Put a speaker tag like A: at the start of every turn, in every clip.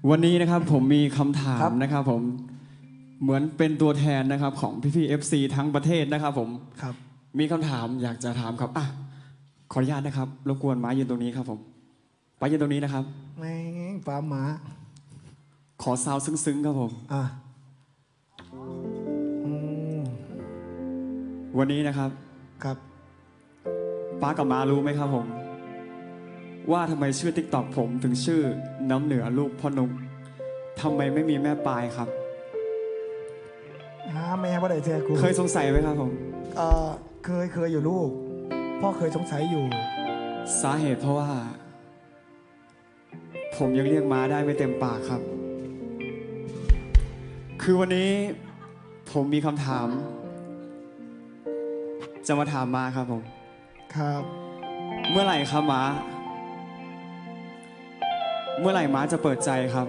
A: วันนี้นะครับผมมีคำถามนะครับผมเหมือนเป็นตัวแทนนะครับของพี่ๆ FC ทั้งประเทศนะครับผม
B: ครับ
A: มีคำถามอยากจะถามครับขออนุญาตนะครับรบกวนม้ายืนตรงนี้ครับผมป้ายืนตรงนี้นะครับ
B: แม่งฟ้าหมา
A: ขอซาวซึ้งๆครับผมวันนี้นะครับ
B: ครับ
A: ป้ากับม้ารู้ไหมครับผมว่าทำไมชื่อ TikTok ผมถึงชื่อน้ำเหนือลูกพ่อนุ๊กทำไมไม่มีแม่ปลายครับ
B: แม่พ่อได้เจอกู
A: เคยสงสัยไหมครับผม
B: เคยอยู่ลูกพ่อเคยสงสัยอยู่
A: สาเหตุเพราะว่าผมยังเรียกม้าได้ไม่เต็มปากครับคือวันนี้ผมมีคำถามจะมาถามม้าครับผม
B: ครับ
A: เมื่อไหร่ครับม้าเมื่อไหร่ม้าจะเปิดใจครับ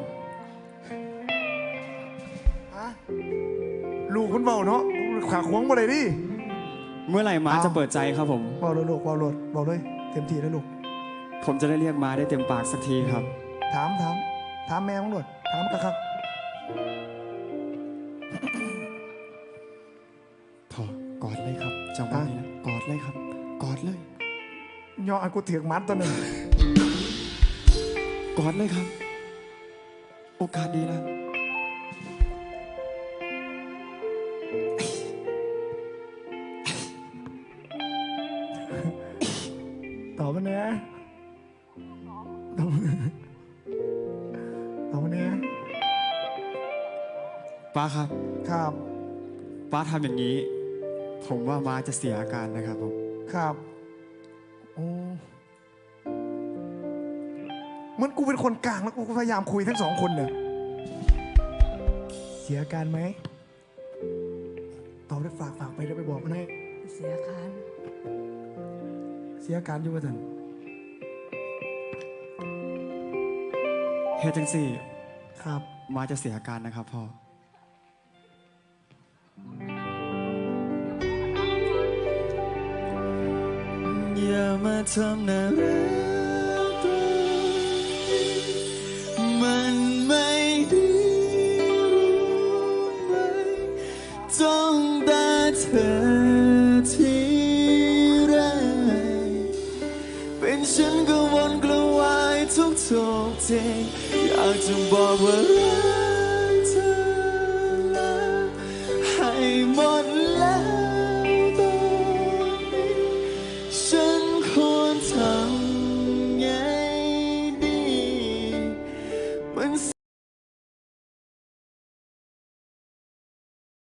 B: ลูกคุณเบาเนาะขาขวงมาเลยดิ
A: เมื่อไหร่ม้าจะเปิดใจครับผม
B: เบาเลยลูกเบาเลยเต็มที่แล้วลูก
A: ผมจะได้เรียกม้าได้เต็มปากสักทีครับ
B: ถามแม่มั้งหนวดถามกันครับ
A: พอกอดเลยครับจังหวะนี้นะกอดเลยครับกอดเลย
B: ย่ออันกูเถียงมัดตัวหนึ่ง
A: กอดเลยครับโอกาสดีแล้ว
B: ตอบมาเนี้ยตอบมาเนี้ย
A: ป้าครับ
B: ครับ
A: ป้าทำอย่างนี้ผมว่าม้าจะเสียอาการนะครับผม
B: ครับโอ้เหมือนกูเป็นคนกลางแล้วกูพยายามคุยทั้งสองคนเนี่ยเสียอาการไหมตอบได้ฝากไปได้ไปบอกมันให้
C: เสียอาการ
B: อยู่ว่าท่าน
A: เฮ็ดจังสี่
B: ครับ
A: ม้าจะเสียอาการนะครับพ่ออย่ามาทำน่ารักมันไม่ดีรู้ไหมจ้องตาเธอทีไรเป็นฉันก็วนกระวายทุกทีอยากจะบอกว่ารั